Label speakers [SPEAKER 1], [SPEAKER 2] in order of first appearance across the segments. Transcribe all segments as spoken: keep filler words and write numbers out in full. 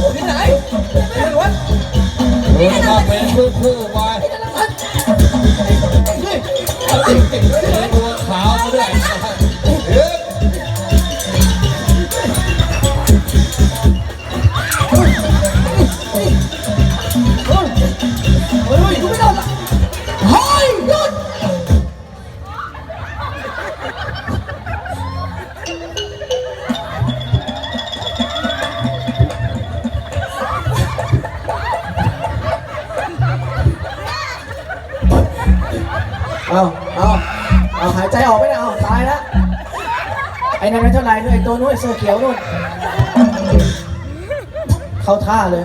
[SPEAKER 1] ที่ไหนไม่รู้วะ
[SPEAKER 2] เดินมาเป็นคู่ๆไปนี่ตัวขาวมาด้วยเฮ้ย
[SPEAKER 1] เฮ้ยกูไม่โดนละเฮ้ยหยุดเอาเอาเอาหายใจออกไม่ได้เอาตายแล้วไอ้นั่นไม่เท่าไรด้วยไอ้ตัวนู้นไอ้เสื้อเขียวนู่นเข้าท่าเลย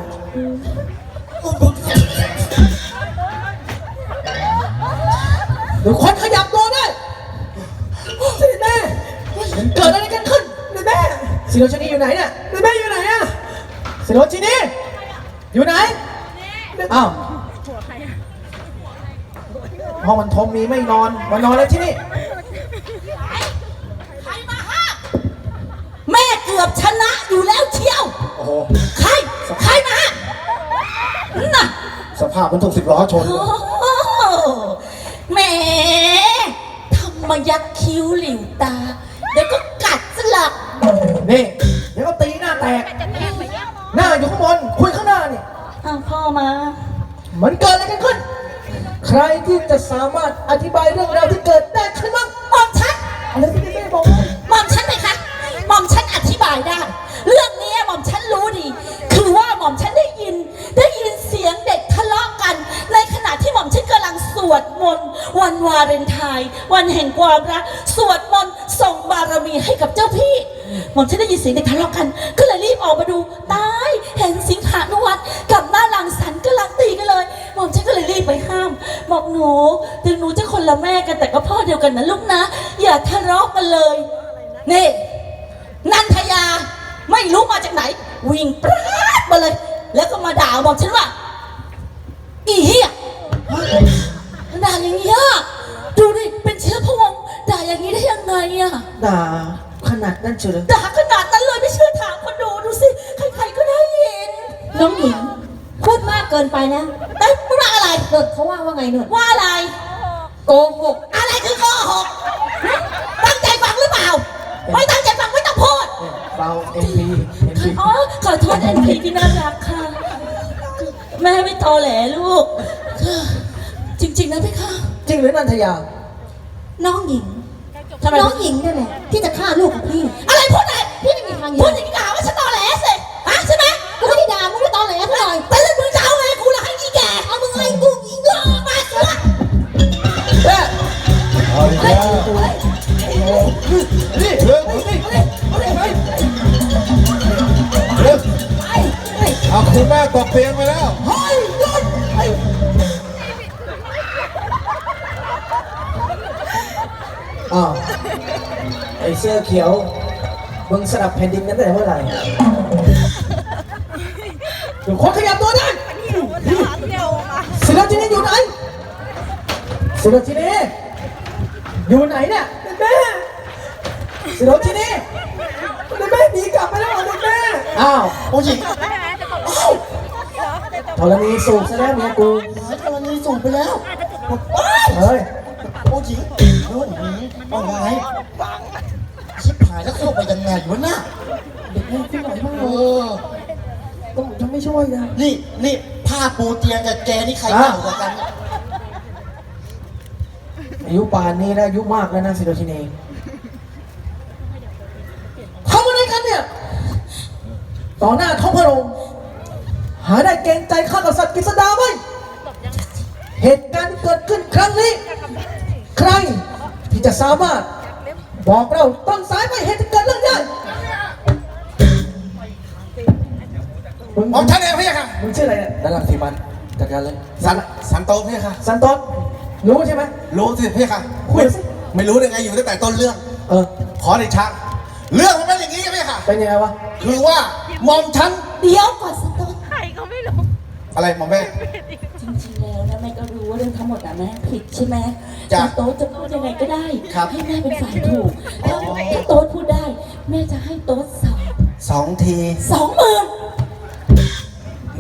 [SPEAKER 1] หรือคนขยับตัวได้สิแม่มันเกิดอะไรกันขึ้นสิแม่สิโรชินีอยู่ไหนเนี่ยสิแม่อยู่ไหนอะสิโรชินีอยู่ไหนอ้าวห้องมันทมมีไม่นอนมานอนแล้วที่นี่
[SPEAKER 3] ใครมาห้ามแม่เกือบชนะอยู่แล้วเชียว
[SPEAKER 1] โอ้โห
[SPEAKER 3] ใครใครมาห้ามน่ะ
[SPEAKER 1] สภาพมันถูกสิบล้อชน
[SPEAKER 3] แหมทำมายักคิ้วหลิวตาเดี๋ยวก็กัดสลัก
[SPEAKER 1] นี่เดี๋ยวก็ตีหน้าแตกหน้าอยู่ข้างบนคุยข้างหน้านี่
[SPEAKER 3] อ้าวพ่อมา
[SPEAKER 1] มันเกิดอะไรกันขึ้นใครที่จะสามารถอธิบายเรื่องราวที่เกิดได้ขึ้นบ้าง
[SPEAKER 3] หม่อมฉัน
[SPEAKER 1] อะไรที่แม่บอก
[SPEAKER 3] หม่อมฉันไหมคะหม่อมฉันอธิบายได้เรื่องนี้หม่อมฉันรู้ดีคือว่าหม่อมฉันได้ยินได้ยินเสียงเด็กทะเลาะกันในขณะที่หม่อมฉันกำลังสวดมนต์วันวาเลนไทน์วันแห่งความรักสวดมนต์ส่งบารมีให้กับเจ้าพี่หม่อมฉันได้ยินเสียงเด็กทะเลาะกันก็เลยรีบออกมาดูตายเห็นสิงหานุวัฒน์กับหน้าลังสรรค์กำลังตีกันเลยหม่อมฉันก็เลยรีบไปห้ามบอกหนูถึงหนูจะคนละแม่กันแต่ก็พ่อเดียวกันนะลูกนะอย่าทะเลาะกันเลยนี่นันทยาไม่รู้มาจากไหนวิ่งปราดมาเลยแล้วก็มาด่าบอกฉันว่าอีเหี้ยด่าอย่างนี้อะดูดิเป็นเชื้อพระวงศ์ด่าอย่างนี้ได้ยังไงอะ
[SPEAKER 1] ด่าขนาดนั้นเฉย
[SPEAKER 3] ด่าขนาดนั้นเลยไม่เชื่อถามคนดูดูสิใครๆก็ได้ยินน้องหญิงพูดมากเกินไปนะได้พูดอะไรเกิดเขาว่าว่าไงหนุ่นว่าอะไรโกหกอะไรคือโกหกตั้งใจฟังหรือเปล่าไม่ตั้งใจฟังไม่ต้องพูด
[SPEAKER 1] เราเอ็นพีเอ็นพี
[SPEAKER 3] อ๋อขอโทษเอ็นพีที่น่ารักค่ะแม่ไม่ตอแหลลูกจริงๆนะพี่ค่ะ
[SPEAKER 1] จริงหรือนันทยา
[SPEAKER 3] น้องหญิงน้องหญิงนี่แหละที่จะฆ่าลูกของพี่อะไรพูดอะไรพี่ไม่มีทางพูดอย่างนี้ด่าว่าฉันตอแหลสิฮะใช่ไหมกูไม่ได้ด่ามึงไม่ตอแหลเท่าไหร่แต่แล้วมึงจะเอาไงกูละให้อีแก่เอามึงไงกูอีกอมาสิวะ
[SPEAKER 1] เฮ้ยเอาดิจ้านี่เรื่องนี่เอาดิไป
[SPEAKER 2] เรื่องเอาคุณแม่ตกเตียงไปแล้ว
[SPEAKER 1] เฮ้ยหยุดไอ้อ้าวไอ้เสื้อเขียวมึงสลับแผ่นดินกันตั้งแต่เมื่อไหร่เดี๋ยวคนขยับตัวได้ศิลปินอยู่ไหนศิลปินอยู่ไหนเนี่ยแม่ศิลปินแม่หนีกลับไปแล้วเหรอแม่อ้าวโอ้ยธรณีสูบซะแล้วเมียกู
[SPEAKER 4] ธรณีสูบไปแล้ว
[SPEAKER 1] เฮ้ย
[SPEAKER 4] โอ้ยนู่นว่าไงชิบหายแล้วเข้าไปยังไงวะน่ะ
[SPEAKER 1] เด็กแม่ขึ้นหน่อยมาก
[SPEAKER 4] เออ
[SPEAKER 1] ต้องยังไม่ช่วยนะ
[SPEAKER 4] นี่นี่ผ้าปูเตียงกับแกนี่ใครเก่ากว่ากัน
[SPEAKER 1] อายุป่านนี้แล้วอายุมากแล้วนะศิโรชินีทำอะไรกันเนี่ยต่อหน้าท้องพระโรงหาได้เกรงใจข้ากษัตริย์กฤษดาไหมเหตุการณ์ที่เกิดขึ้นครั้งนี้ใครที่จะสามารถบอกเราต้นสายไปเหตุที่เกิดเรื่องได้
[SPEAKER 4] ผมท่านเองพี่ค่ะ
[SPEAKER 1] มึงชื่ออะไรเนี่ยด้านหลังสีมันจัดการเลย
[SPEAKER 4] สันสันโตพี่ค่ะ
[SPEAKER 1] สันโตรู้ใช่ไหม
[SPEAKER 4] รู้สิพี่ค่ะไม่ไม่รู้ได้ไงอยู่ตั้งแต่ต้นเรื่อง
[SPEAKER 1] เออ
[SPEAKER 4] ขอเดชะเรื่องมันเป็นอย่างนี้ใช่ไหมค่ะ
[SPEAKER 1] เป็นยังไงวะ
[SPEAKER 4] คือว่ามอมฉัน
[SPEAKER 3] เดี๋ยวก่อนสันโตใครก็ไม่รู้
[SPEAKER 4] อะไรมอมแม่
[SPEAKER 3] จริงๆแล้วนะแม่ก็รู้ว่าเรื่องทั้งหมดนะแม่ผิดใช่ไหมสันโตจะพูดยังไงก็ได้ให้แม่เป็นฝ่ายถูกถ้าถ้าโต๊ดพูดได้แม่จะให้โต๊ดสอง
[SPEAKER 4] สองที
[SPEAKER 3] สองหมื่น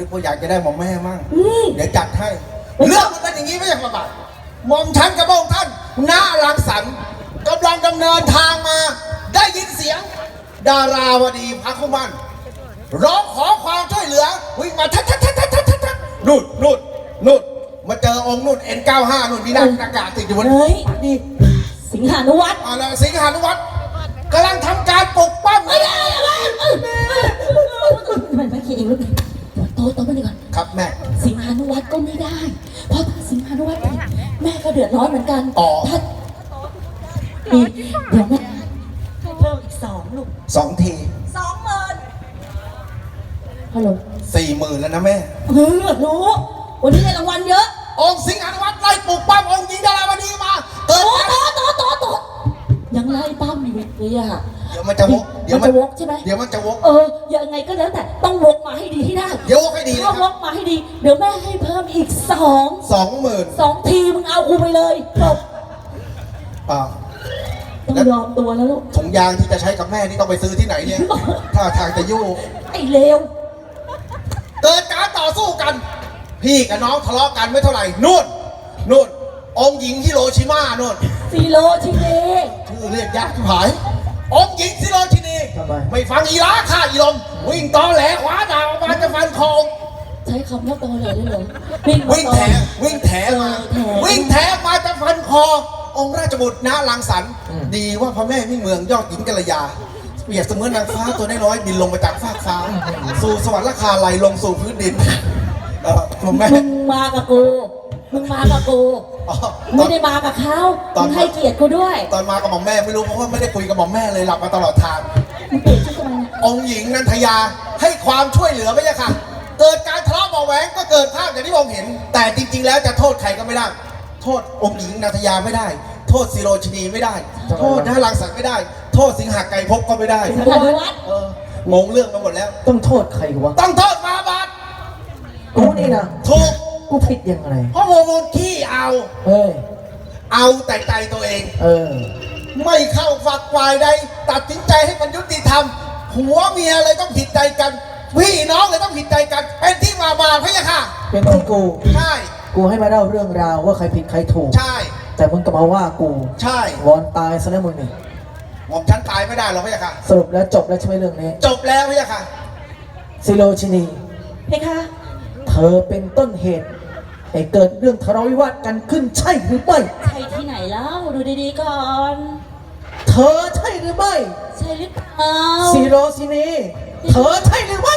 [SPEAKER 4] กว่าอยากจะได้หม่อมแม่มั่ง
[SPEAKER 3] อืม
[SPEAKER 4] เดี๋ยวจัดให้ เรื่องมันเป็นอย่างนี้ไม่ใช่ประบาทหม่อมฉันกับพระองค์ท่านหน้ารังสรรค์กำลังดำเนินทางมา ได้ยินเสียง ดาราวดีพระคุมันร้องขอความช่วยเหลือวิ่งมาทัดทัดทัดทัดทัดทัดทัดนู่นนู่นนู่นมาเจอองค์นู่น เอ็น เก้าสิบห้า นู่นมีหน้ากากติดอยู่บน
[SPEAKER 3] เฮ้ยนี่สิงหานุวัฒน์
[SPEAKER 4] อะไรสิงหานุวัฒน์กำลังทำการปลุกปั้ม
[SPEAKER 3] เอ้ยเอ้ยเอ้ยเอ้ยมันไม่คิดเองลูกโตโตมาดีก่อน
[SPEAKER 4] ครับแม่
[SPEAKER 3] สิงหานุวัฒน์ก็ไม่ได้ เพราะถ้าสิงหานุวัฒน์ผิดแม่ก็เดือดร้อนเหมือนกัน
[SPEAKER 4] อ๋อ
[SPEAKER 3] ถ้านี่เดี๋ยวแม่เพิ่มอีกสองลูก
[SPEAKER 4] สองที
[SPEAKER 3] สองหมื่นฮัลโหล
[SPEAKER 4] สี่หมื่นแล้วนะแม่
[SPEAKER 3] เออรู้วันนี้ได้รางวัลเยอะ
[SPEAKER 4] องค์สิงหานุวัฒน์ไล่ปลุกปั้มองค์หญิงดาราวดีมาเกิด
[SPEAKER 3] โต
[SPEAKER 4] การ
[SPEAKER 3] โตโตโตโตยังไล่ปั้มอยู่เลยอะ
[SPEAKER 4] เดี๋ยวมันจะวก
[SPEAKER 3] เดี๋ยวมันจะวกใช่ไหม
[SPEAKER 4] เดี๋ยวมันจะวก
[SPEAKER 3] เออยังไงก็แล้วแต่ต้องวกมาให้ดีที่ได้
[SPEAKER 4] เดี๋ยววกให้ดีนะ
[SPEAKER 3] ถ้า
[SPEAKER 4] คว รับ
[SPEAKER 3] กมาให้ดี เดี๋ยวแม่ให้เพิ่มอีกสอง
[SPEAKER 4] สองหมื่น
[SPEAKER 3] สองทีมึงเอากูไปเลยจบ
[SPEAKER 4] อ่า
[SPEAKER 3] ต้องยอมตัวแล้วลูก
[SPEAKER 4] ถุงยางที่จะใช้กับแม่นี่ต้องไปซื้อที่ไหนเนี่ย ถ้าทางจะยู่
[SPEAKER 3] ไอ้เลว
[SPEAKER 4] เกิดการต่อสู้กัน พี่กับน้องทะเลาะกันไม่เท่าไหร่นู่นนู่นองค์หญิงฮิโรชิมานู่น
[SPEAKER 3] ซีโรชิเด
[SPEAKER 4] ชื่อเรียกยากที่หายองค์หญิงฮิโรชินี
[SPEAKER 1] ทำไม
[SPEAKER 4] ไม่ฟังอีลาฆ่าอีลมวิ่งตอแหลขวาดาวออกมาจะฟันคอองค์
[SPEAKER 3] ใช้คำว่าตอแหลได้เลย
[SPEAKER 4] วิ่งแถวิ่งแถมา
[SPEAKER 3] เออแถ
[SPEAKER 4] วิ่งแถมาจะฟันคอ องค์ราชบุตรณลังสรรค์ดีว่าพระแม่มิ่งเมืองยอดหญิงกัลยาเปรียบเสมือนนางฟ้าตัวน้อยๆบินลงมาจากฟากฟ้า สู่สวรรค์ราคาไหลลงสู่พื้นดินเออคุณแม่
[SPEAKER 3] มึงมากับกู มึงมากับกู
[SPEAKER 4] อ๋อต
[SPEAKER 3] ไม่
[SPEAKER 4] อน
[SPEAKER 3] ได้มากับเขา
[SPEAKER 4] ตอน
[SPEAKER 3] มึงให้เกียรติกูด้วย
[SPEAKER 4] ตอนมากับหม่อมแม่ไม่รู้เพราะว่าไม่ได้คุยกับหม่อมแม่เลยหลับมาตลอดทาง
[SPEAKER 3] มึงเปลี่ยนชื่อทำไมเนี่ย
[SPEAKER 4] องค์หญิงนันทยาให้ความช่วยเหลือไม่ใช่ค่ะ เกิดการทะเลาะเบาะแหวงก็เกิดภาพอย่างที่ผมเห็น แต่จริง ๆ แล้วจะโทษใครก็ไม่ได้ โทษองค์หญิงนันทยาไม่ได้ โทษศิโรชนีไม่ได้ โทษนรังสรรค์ไม่ได้ โทษสิงหาไกรภพก็ไม่ได้
[SPEAKER 3] สิงหานุวัฒน์
[SPEAKER 4] เอองงเรื่องไปหมดแล้ว
[SPEAKER 1] ต้องโทษใครวะ
[SPEAKER 4] ต้องโทษฟาบาท
[SPEAKER 1] กูนี่นะ
[SPEAKER 4] ถูก
[SPEAKER 1] กูผิดยังไง
[SPEAKER 4] เพราะโมโมขี้เอา
[SPEAKER 1] เฮ้ย
[SPEAKER 4] เอาแต่ใจตัวเอง
[SPEAKER 1] เออ
[SPEAKER 4] ไม่เข้าฝักฝ่ายใดตัดสินใจให้มันยุติธรรมผัวเมียเลยต้องผิดใจกันพี่น้องเลยต้องผิดใจกันเป็นที่มาบาทพะยะค่ะ
[SPEAKER 1] เป็นที่กู
[SPEAKER 4] ใช่
[SPEAKER 1] กูให้มาเล่าเรื่องราวว่าใครผิดใครถูก
[SPEAKER 4] ใช่
[SPEAKER 1] แต่มึงก็มาว่ากู
[SPEAKER 4] ใช่
[SPEAKER 1] วอนตายซะแล้วมึงนี่
[SPEAKER 4] หม่อมฉันตายไม่ได้หรอกพะยะค่ะ
[SPEAKER 1] สรุปแล้วจบแล้วใช่ไหมเรื่องนี้
[SPEAKER 4] จบแล้วพะยะค่ะ
[SPEAKER 1] ซิโรชินี
[SPEAKER 3] เพคะ
[SPEAKER 1] เธอเป็นต้นเหตุให้เกิดเรื่องทะเลาะวิวาทกันขึ้นใช่หรือไม่
[SPEAKER 3] ใช่ที่ไหนแล้ว ดูดีๆก่อน
[SPEAKER 1] เธอใช่หรือไม่
[SPEAKER 3] ใช่หรือเปล่า
[SPEAKER 1] ซิโรชินี เธอใช่หรือไม่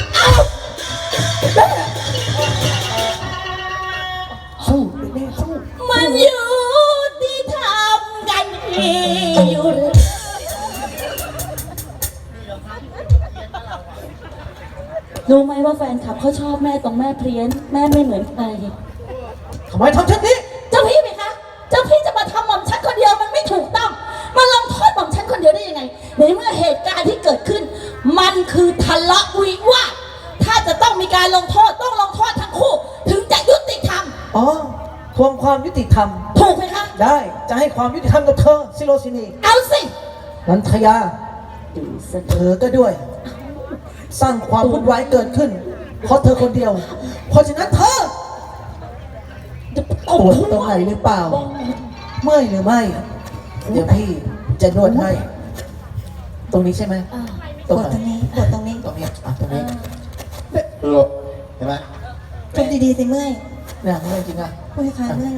[SPEAKER 1] สู้แม่สู้
[SPEAKER 3] มันอยู่ที่ทำกันเองอยู่ รู้ไหมว่าแฟนคลับเขาชอบแม่ตรงแม่เพรียนแม่ไม่เหมือนใคร
[SPEAKER 1] ทำไมทำเช่นนี้
[SPEAKER 3] เจ้าพี่ไหมคะ เจ้าพี่จะมาทำหม่อมฉันคนเดียวมันไม่ถูกต้อง มาลงโทษหม่อมฉันคนเดียวได้ยังไง ในเมื่อเหตุการณ์ที่เกิดขึ้น มันคือทะเลาะวิวาท ถ้าจะต้องมีการลงโทษต้องลงโทษทั้งคู่ ถึงจะยุติธรรม
[SPEAKER 1] อ๋อทวงความยุติธรรม
[SPEAKER 3] ถูกไหมคะ
[SPEAKER 1] ได้ จะให้ความยุติธรรมกับเธอ ซิโรชินี
[SPEAKER 3] เอาสิ
[SPEAKER 1] นันทยาเธอก็ด้วย สร้างความวุ่นวายเกิดขึ้น เพราะเธอคนเดียว เพราะฉะนั้นเธอปวดตรงไหนหรือเปล่า เมื่อยหรือไม่ เดี๋ยวพี่จะนวดให้ ตรงนี้ใช่ไหม
[SPEAKER 3] อ่า
[SPEAKER 1] ตรงไหน
[SPEAKER 3] ตรงนี้กดตรงนี้
[SPEAKER 1] ตรงนี้อ่ะตรงนี้
[SPEAKER 4] หลบเห็นไหม
[SPEAKER 3] ทำดีๆสิเมื่อย
[SPEAKER 1] เนี่ยเมื่อยจริงอ่ะ
[SPEAKER 3] คุยค้างเมื่อย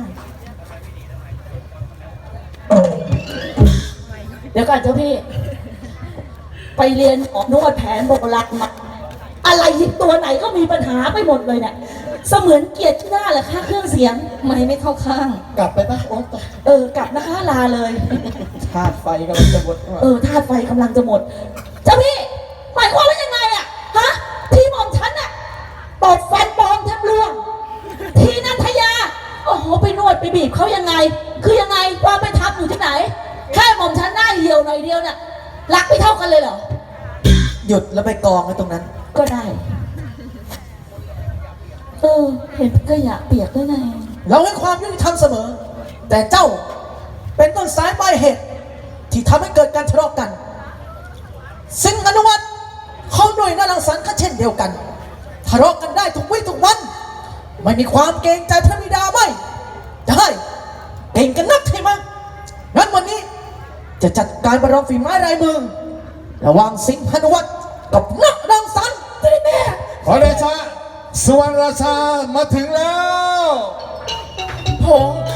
[SPEAKER 3] เดี๋ยวก่อนเจ้าพี่ ไปเรียนหมอนวดแผนโบราณมาอะไรตัวไหนก็มีปัญหาไปหมดเลยเนี่ยเสมือนเกียรติหน้าเหรอคะเครื่องเสียงไม่ไม่เข้าข้าง
[SPEAKER 4] กลับไปปะโอ๊ต
[SPEAKER 3] เออกลับนะคะลาเลย
[SPEAKER 1] ธาตุไฟกำลังจะหมด
[SPEAKER 3] เออธาตุไฟกำลังจะหมด เจ้าพี่หมายความว่ายังไงอะฮะที่หม่อมฉันอะตบฟันปลอมแทบร่วงทีนันทยาโอ้โหไปนวดไปบีบเขายังไง คือยังไงความไปทำอยู่ที่ไหนแค่หม่อมฉันหน้าเหี่ยวหน่อยเดียวเนี่ยรักไม่เท่ากันเลยเหรอ
[SPEAKER 1] หยุดแล้วไปกองไว้ตรงนั้น
[SPEAKER 3] ก็ได้ เออ เห็นก็อยากเปียกด้วยไง
[SPEAKER 1] เราให้ความยุติธรรมเสมอ แต่เจ้าเป็นต้นสายปลายเหตุ ที่ทำให้เกิดการทะเลาะกัน สิงห์อนุวัฒน์เขาหน่วยนารังสรรค์ก็เช่นเดียวกันทะเลาะกันได้ทุกวี่ทุกวัน ไม่มีความเกรงใจพระบิดาไหมได้เก่งกันนักใช่ไหมงั้นวันนี้จะจัดการประลองฝีไม้ลายมือระหว่างสิงห์พนุวัตรกับนักดังสันได้แน่
[SPEAKER 2] ขอเดชะสวรรณราชามาถึงแล้ว
[SPEAKER 3] พงษ์